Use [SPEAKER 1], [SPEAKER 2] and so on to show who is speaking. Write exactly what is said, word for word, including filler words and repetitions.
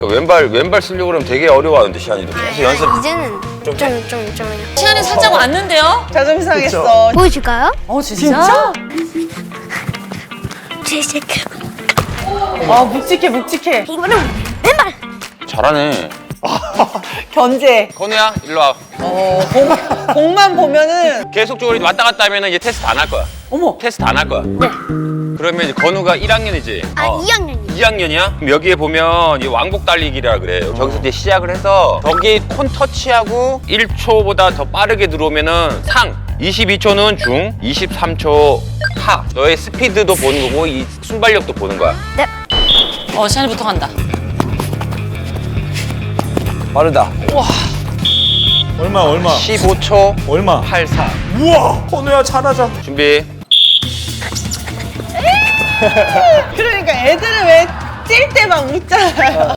[SPEAKER 1] 왼발 왼발 쓰려고 그러면 되게 어려워하는데 시안이도 계속 연습.
[SPEAKER 2] 이제는 좀 좀 좀 좀.
[SPEAKER 3] 시간이 살짝 왔는데요?
[SPEAKER 4] 자존심 상했어.
[SPEAKER 2] 보여줄까요?
[SPEAKER 3] 어 진짜?
[SPEAKER 2] 제시크.
[SPEAKER 4] 아 묵직해 묵직해.
[SPEAKER 2] 이거는 왼발.
[SPEAKER 1] 잘하네.
[SPEAKER 4] 견제.
[SPEAKER 1] 건우야 일로 와.
[SPEAKER 4] 어 공, 공만 보면은
[SPEAKER 1] 계속적으로 왔다 갔다 하면은 이제 테스트 안 할 거야.
[SPEAKER 4] 어머.
[SPEAKER 1] 테스트 안 할 거야.
[SPEAKER 2] 네.
[SPEAKER 1] 그러면 이제 건우가 일 학년이지.
[SPEAKER 2] 아 이 학년이요.
[SPEAKER 1] 이 학년이야? 그럼 여기에 보면 이 왕복 달리기라 그래요. 저기서 이제 시작을 해서 저기 콘 터치하고 일 초보다 더 빠르게 들어오면은 상, 이십이 초는 중, 이십삼 초 하. 너의 스피드도 보는 거고 이 순발력도 보는 거야.
[SPEAKER 2] 네.
[SPEAKER 3] 어 시간이부터 간다.
[SPEAKER 1] 빠르다.
[SPEAKER 5] 얼마 얼마
[SPEAKER 1] 십오 초
[SPEAKER 5] 얼마
[SPEAKER 1] 팔십사.
[SPEAKER 5] 우와 건우야 잘하자.
[SPEAKER 1] 준비.
[SPEAKER 4] 그러니까 애들은 왜 찔 때 막 웃잖아요.